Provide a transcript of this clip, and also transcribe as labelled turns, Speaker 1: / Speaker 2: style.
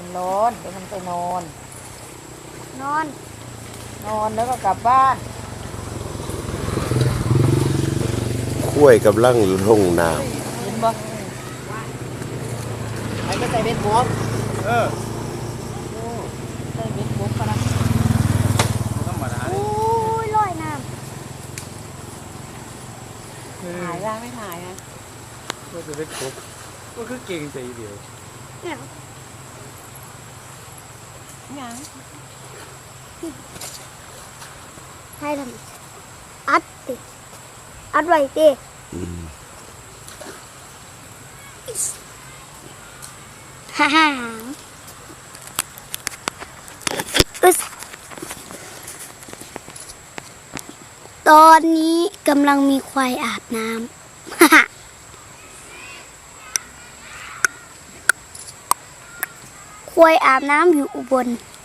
Speaker 1: มันร้อนเดี๋ยวมันไปนอน
Speaker 2: นอน
Speaker 1: นอนแล้วก็กลับบ้าน
Speaker 3: ข้วยกำลังลงน้
Speaker 1: เห็นบ่ไอ้ก็ใส่เบ็ดบวก
Speaker 4: เออ
Speaker 1: ใส่เบ็ดบวกก็นะ
Speaker 4: ธรรมดา
Speaker 2: โอ้ยลอยน้
Speaker 1: ถ่ายได้ไม่ถ่ายนะ
Speaker 4: ก็จะเป็นครบก็คือเก่งใจเดียว
Speaker 2: ำเนี่ย
Speaker 1: ยัง
Speaker 2: ให้ทำอัดติอัดไว้ติ
Speaker 3: ำอืม
Speaker 2: ฮ่าฮ่าอึสตอนนี้กำลังมีควายอาบน้ำฮ่าฮ่าควายอาบน้ำอยู่อุบล